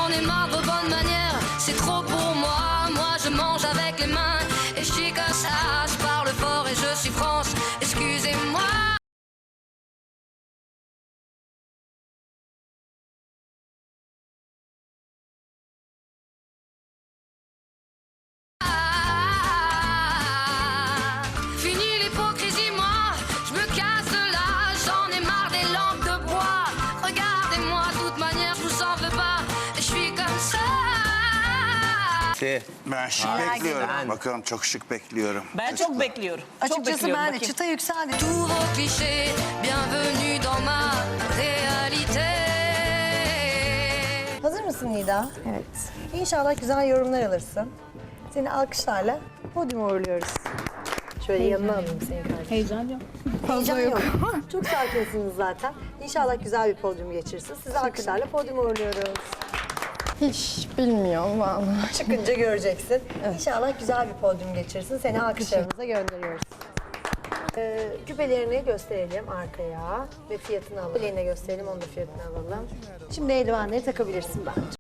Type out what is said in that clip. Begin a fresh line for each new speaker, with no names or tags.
j'en ai marre de vos bonnes manières. C'est trop pour moi, moi je mange avec les mains. Et je suis comme ça, je parle fort et je suis France. Excusez-moi. Fini l'hypocrisie, moi, je me casse de là, j'en ai marre des lampes de bois. Regardez-moi, de toute manière, je vous en veux pas, je suis comme ça.
Ben şık bekliyorum. Bakalım çok şık bekliyorum.
Ben çok bekliyorum. Çok
Açıkçası
bekliyorum.
ben de
Bakayım.
çıta yükseldi.
Tous vos clichés, bienvenue dans ma réalité.
Hazır mısın Nida? Evet. İnşallah güzel yorumlar alırsın. Seni alkışlarla podyuma uğurluyoruz. Şöyle yanına alayım seni kardeşim.
Heyecan yok.
Heyecan yok. Çok sakinsiniz zaten. İnşallah güzel bir podyum geçirsin. Sizi alkışlarla podyuma uğurluyoruz.
Hiç bilmiyorum vallahi.
Çıkınca göreceksin. İnşallah güzel bir podyum geçirsin. Seni alkışlarımıza gönderiyoruz. Küpelerini gösterelim arkaya ve fiyatını alalım. Küpelerini gösterelim, onun da fiyatını alalım. Şimdi eldivenleri takabilirsin bence.